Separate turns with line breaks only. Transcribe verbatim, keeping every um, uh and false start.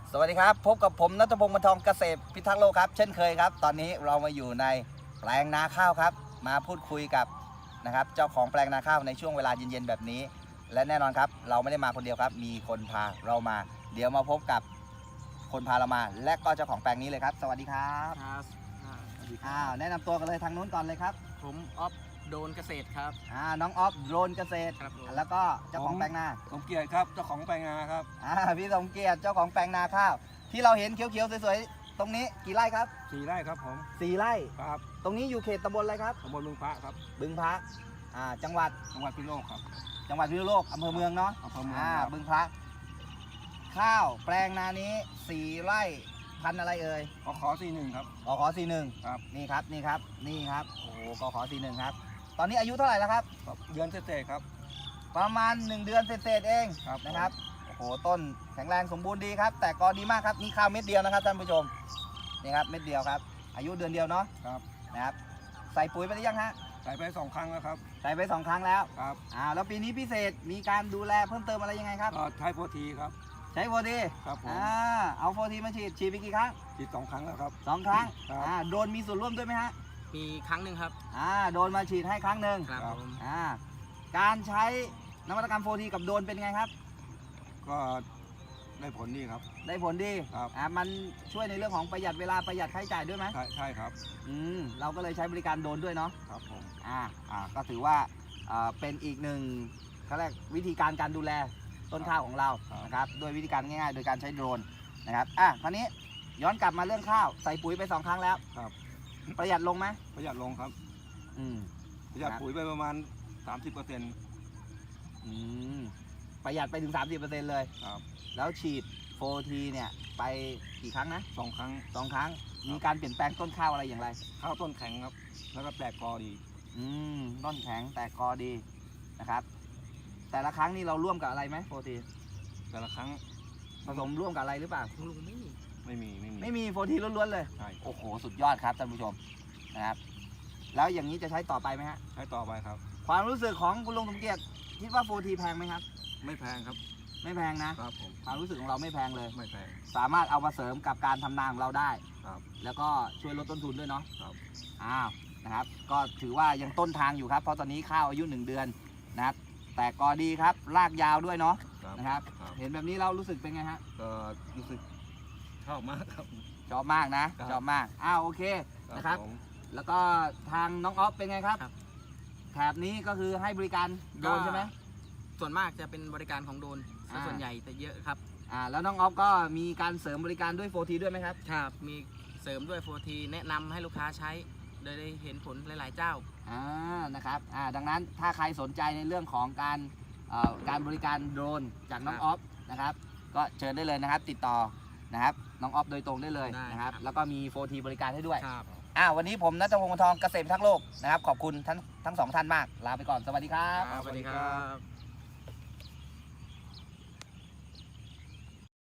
สวัสดีครับพบกับผมณัฐพงศ์ บรรทองเกษตรพิทักษ์โลกครับเช่นเคยครับตอนนี้เรามาอยู่ในแปลงนาข้าวครับมาพูดคุยกับนะครับเจ้าของแปลงนาข้าวในช่วงเวลาเย็นๆแบบนี้และแน่นอนครับเราไม่ได้มาคนเดียวครับมีคนพาเรามาเดี๋ยวมาพบกับคนพาเรามาและก็เจ้าของแปลงนี้เลยครับสวัสดีครับ
ครับอ่าสวัสดีค
อ้า
รับ
วแนะนำตัวกันเลยทางนู้นก่อนเลยครับ
ผมออฟโดนเกษตรครับ
อ่าน้องออฟโดรนเกษตร
ครับผม
แล้วก็เจ้าของแปลงนา
สมเกียรติครับเจ้าของแปลงนาครับ
อ่าพี่สมเกียรติเจ้าของแปลงนาข้าวที่เราเห็นเขียวๆสวยๆตรงนี้กี่ไร่ครับ
สี่ไร่ครับผม
สี่ไร่
ครับ
ตรงนี้อยู่เขตตำบลอะไรครับ
ตำบลเมืองพระครับ
บึงพระอ่าจังหวัด
จังหวัดพิษณุโลกครับ
จังหวัดพิษณุโลกอำเภอเมืองเนาะ
อำเภอเมือง
อ่า
ครับ
บึงพระข้าวแปลงนานี้สี่ไร่พันธุ์อะไรเอ่ย
ขอขอสี่หนึ่งครับ
กขอสี่หนึ่ง
ครับ
นี่ครับนี่ครับนี่ครับโอ้โหกขอสี่หนึ่งครับตอนนี้อายุเท่าไหร่แล้วครับ
เดือนเศษๆครับ
ประมาณหนึ่งเดือนเศษๆเอง
ครับ
นะครับโอ้โหต้นแข็งแรงสมบูรณ์ดีครับแต่กอดีมากครับนี่ข้าวเม็ดเดียวนะครับท่านผู้ชมนี่ครับเม็ดเดียวครับอายุเดือนเดียวเนาะ
ครับ
นะครับใส่ปุ๋ยไปหรือยังฮะ
ใส่ไปสองครั้งแล้วครับ
ใส่ไปสองครั้งแล้ว
ครับ
อ่าแล้วปีนี้พิเศษมีการดูแลเพิ่มเติมอะไรยังไงครับ
ก็ใช้โฟทีครับ
ใช้โฟที
ครับผม
อ่าเอาโฟทีมาฉีดฉีดไปกี่ครั้ง
ฉีดสองครั้งแล้วครับ
สองครั้ง
ครับ
อ่าโดนมีส่วนร่วมด้วยไหมฮะ
มีครั้งหนึ่งครับ
อ่าโดนมาฉีดให้ครั้งหนึ่ง
ครับ
ครับ
ผม
อ่าการใช้นวัตกรรมโฟทีกับโดนเป็นไงครับ
ก็ได้ผลดีครับ
ได้ผลดี
ครับ
อ่ามันช่วยในเรื่องของประหยัดเวลาประหยัดค่าใช้จ่ายด้วยไหม
ใช่ใช่ครับ
อืมเราก็เลยใช้บริการโดนด้วยเนาะ
ครับผม
อ่าอ่าก็ถือว่าอ่าเป็นอีกหนึ่งเขาเรียกวิธีการการดูแลต้นข้าวของเรานะครับโดยวิธีการง่ายๆ โดยการใช้โดรนนะครับอ่ะคราวนี้ย้อนกลับมาเรื่องข้าวใส่ปุ๋ยไปสองครั้งแล้ว
ครับ
ประหยัดลงไหม
ประหยัดลงครับ
อืม
ประหยัด
ครับ
ปุ๋ยไปประมาณ สามสิบเปอร์เซ็นต์
อืมประหยัดไปถึง สามสิบเปอร์เซ็นต์ เลย
ครับ
แล้วฉีดโฟทีเนี่ยไปกี่ครั้งนะ
สองครั้ง
สองครั้งมีการเปลี่ยนแปลงต้นข้าวอะไรอย่างไร
ข้าวต้นแข็งครับ แล้วก็แตกกอดี
อืมต้นแข็งแต่กอดีนะครับ แต่ละครั้งนี่เราร่วมกับอะไรไหมโฟที
แต่ละครั้ง
ผสมร่วมกับอะไรหรือเปล่า
ลุงไม่มี
ไม่มีไม่มี
ไม่มีโฟทีล้วนๆเลย
ใช่
โอ้โห สุดยอดครับท่านผู้ชมนะครับ แล้วอย่างนี้จะใช้ต่อไปไหมฮะ
ใช้ต่อไปครับ
ความรู้สึกของคุณลุงสมเกียรติคิดว่าโฟทีแพงไหมครับ
ไม่แพงครับ
ไม่แพงนะ
ครับผม
ความรู้สึกของเราไม่แพงเลย
ไม่แพง
สามารถเอามาเสริมกับการทำนาของเราได้
ครับ
แล้วก็ช่วยลดต้นทุนด้วยเนาะ
ครับ
อ้าวนะครับ ก็ถือว่ายังต้นทางอยู่ครับ เพราะตอนนี้ข้าวอายุหนึ่งเดือนนะครับ แต่กอดีครับ รากยาวด้วยเนาะ
ครับ
นะครับ
ครับ
เห็นแบบนี้เรารู้สึกเป็นไงฮะ
ก็รู้สึกชอบมากครับ
ชอบมากนะ
ครับ
ชอบมาก อ้าวโอเค นะครับ
ผม
แล้วก็ทางน้องออฟเป็นไงครับ
ครับ
แถบนี้ก็คือให้บริการโดรนใช่ไหม
ส่วนมากจะเป็นบริการของโดน
อ่า
ส่วนใหญ่แต่เยอะครับ
อ่าแล้วน้องออฟก็มีการเสริมบริการด้วยโฟทีด้วยไหมครับ
ครับมีเสริมด้วยโฟทีแนะนำให้ลูกค้าใช้โดยได้เห็นผลหลาย ๆ เจ้า
อ่านะครับอ่าดังนั้นถ้าใครสนใจในเรื่องของการเอ่อการบริการโดรนจากน้อง
ครับ
ออฟนะครับก็เชิญได้เลยนะครับ ติดต่อนะครับน้องออฟโดยตรงได้เลย
ได้
นะครับ
ครับ
แล้วก็มีโฟทีบริการให้ด้วย
ครับ
อ่าวันนี้ผมณัฐพงศ์ บรรทองเกษตรพิทักษ์โลกนะครับขอบคุณทั้งทั้งสองท่านมากลาไปก่อนสวัสดีครับ
สวัสดีครับ